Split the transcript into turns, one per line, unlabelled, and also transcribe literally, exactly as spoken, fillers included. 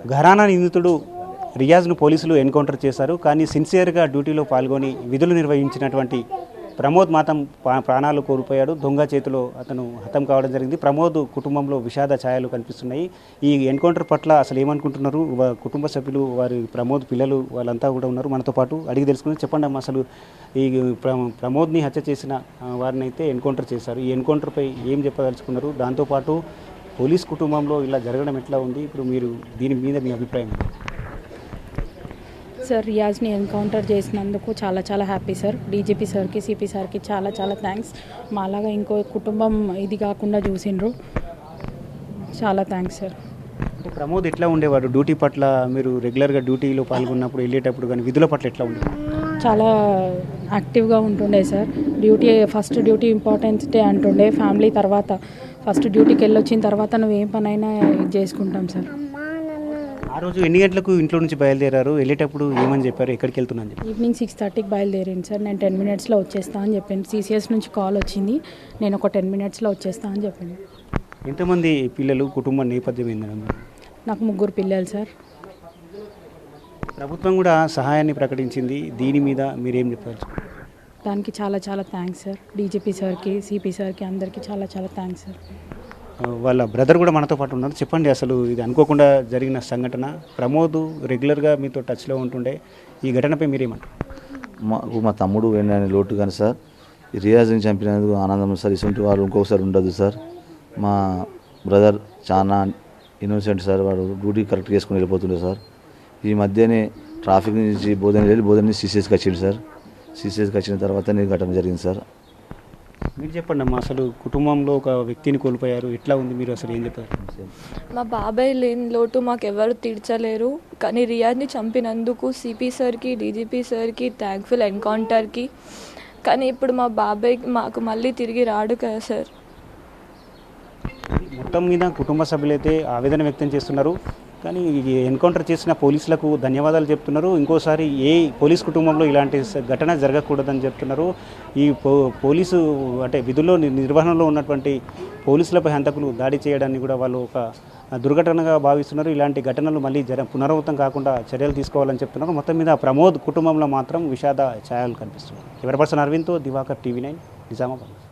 ఘరానా నిందితుడు రియాజ్ను పోలీసులు ఎన్కౌంటర్ చేశారు. కానీ సిన్సియర్గా డ్యూటీలో పాల్గొని విధులు నిర్వహించినటువంటి ప్రమోద్ మాత్రం ప్రాణాలు కోల్పోయాడు. దొంగ చేతిలో అతను హతం కావడం జరిగింది. ప్రమోద్ కుటుంబంలో విషాద ఛాయలు కనిపిస్తున్నాయి. ఈ ఎన్కౌంటర్ పట్ల అసలు ఏమనుకుంటున్నారు కుటుంబ సభ్యులు, వారి ప్రమోద్ పిల్లలు వాళ్ళంతా కూడా ఉన్నారు మనతో పాటు. అడిగి తెలుసుకుని చెప్పండి అమ్మా, అసలు ఈ ప్రమోద్ని హత్య చేసిన వారిని అయితే ఎన్కౌంటర్ చేశారు. ఈ ఎన్కౌంటర్పై ఏం చెప్పదలుచుకున్నారు? దాంతోపాటు పోలీస్ కుటుంబంలో ఇలా జరగడం ఎట్లా ఉంది? ఇప్పుడు మీరు దీని మీద మీ అభిప్రాయం?
సార్, రియాజ్ని ఎన్కౌంటర్ చేసినందుకు చాలా చాలా హ్యాపీ సార్. డీజీపీ సార్కి, సిపి సార్కి చాలా చాలా థ్యాంక్స్. మాలాగా ఇంకో కుటుంబం ఇది కాకుండా చూసిండ్రు. చాలా థ్యాంక్స్ సార్.
ప్రమోద్ ఎట్లా ఉండేవాడు డ్యూటీ పట్ల? మీరు రెగ్యులర్గా డ్యూటీలో పాల్గొన్నప్పుడు, వెళ్ళేటప్పుడు కానీ విధుల పట్ల ఎట్లా ఉండేవాడు?
చాలా యాక్టివ్గా ఉంటుండే sir. Duty first duty importance డే అంటుండే. ఫ్యామిలీ తర్వాత ఫస్ట్ డ్యూటీకి వెళ్ళొచ్చిన తర్వాత నువ్వు ఏం పనైనా ఇది చేసుకుంటాం సార్.
ఆ రోజు ఎన్ని గంటలకు ఇంట్లో నుంచి బయలుదేరారు? వెళ్ళేటప్పుడు ఏమని చెప్పారు? ఎక్కడికి వెళ్తున్నాను చెప్పి?
ఈవినింగ్ సిక్స్ థర్టీకి బయలుదేరింది సార్. నేను టెన్ మినిట్స్లో వచ్చేస్తా అని చెప్పాను. సీసీఎస్ నుంచి కాల్ వచ్చింది, నేను ఒక టెన్ మినిట్స్లో వచ్చేస్తా అని చెప్పాను.
ఎంతమంది పిల్లలు, కుటుంబ నేపథ్యం ఏంటంటే?
నాకు ముగ్గురు పిల్లలు సార్.
ప్రభుత్వం కూడా సహాయాన్ని ప్రకటించింది, దీని మీద మీరేం చెప్పారు?
దానికి చాలా చాలా థ్యాంక్స్ సార్. డీజీపీ సార్కి, సిపి సార్కి అందరికీ చాలా చాలా థ్యాంక్స్ సార్.
వాళ్ళ బ్రదర్ కూడా మనతో పాటు ఉన్నారు. చెప్పండి, అసలు ఇది అనుకోకుండా జరిగిన సంఘటన. ప్రమోద్ రెగ్యులర్గా మీతో టచ్లో ఉంటుండే, ఈ ఘటనపై మీరేమంటారు?
మాకు మా తమ్ముడు వెళ్ళని లోటు కానీ సార్, ఈ రియాజ్ని చంపినందుకు ఆనందం సార్. ఇటువంటి వాళ్ళు ఇంకొకసారి ఉండదు సార్. మా బ్రదర్ చాలా ఇన్నోసెంట్ సార్. వాడు డ్యూటీ కరెక్ట్ చేసుకుని వెళ్ళిపోతుండే సార్. ఈ మధ్యనే ట్రాఫిక్ నుంచి బోధన వెళ్ళి బోధన నుంచి సీసీఎస్కి వచ్చింది సార్. సీసీఎస్కి వచ్చిన తర్వాతనే ఘటన జరిగింది సార్.
మీరు చెప్పండి అమ్మా, అసలు కుటుంబంలో ఒక వ్యక్తిని కోల్పోయారు, ఎట్లా ఉంది? మీరు అసలు ఏం చెప్తారు?
మా బాబాయ్ లేని లోటు మాకు ఎవరు తీర్చలేరు. కానీ రియాజ్ని చంపినందుకు సిపి సార్కి, డీజీపీ సార్కి థ్యాంక్ఫుల్, ఎన్కౌంటర్కి. కానీ ఇప్పుడు మా బాబాయ్ మాకు మళ్ళీ తిరిగి రాడు కదా సార్.
మొత్తం మీద కుటుంబ సభ్యులైతే ఆవేదన వ్యక్తం చేస్తున్నారు. కానీ ఎన్కౌంటర్ చేసిన పోలీసులకు ధన్యవాదాలు చెప్తున్నారు. ఇంకోసారి ఏ పోలీస్ కుటుంబంలో ఇలాంటి ఘటన జరగకూడదని చెప్తున్నారు. ఈ పో పోలీసు అంటే విధుల్లో నిర్వహణలో ఉన్నటువంటి పోలీసులపై హంతకులు దాడి చేయడాన్ని కూడా వాళ్ళు ఒక దుర్ఘటనగా భావిస్తున్నారు. ఇలాంటి ఘటనలు మళ్ళీ జర పునరావృతం కాకుండా చర్యలు తీసుకోవాలని చెప్తున్నారు. మొత్తం మీద ప్రమోద్ కుటుంబంలో మాత్రం విషాద ఛాయలు కనిపిస్తున్నాయి. కెమెరా పర్సన్ అరవింద్తో దివాకర్, టీవీ నైన్, నిజామాబాద్.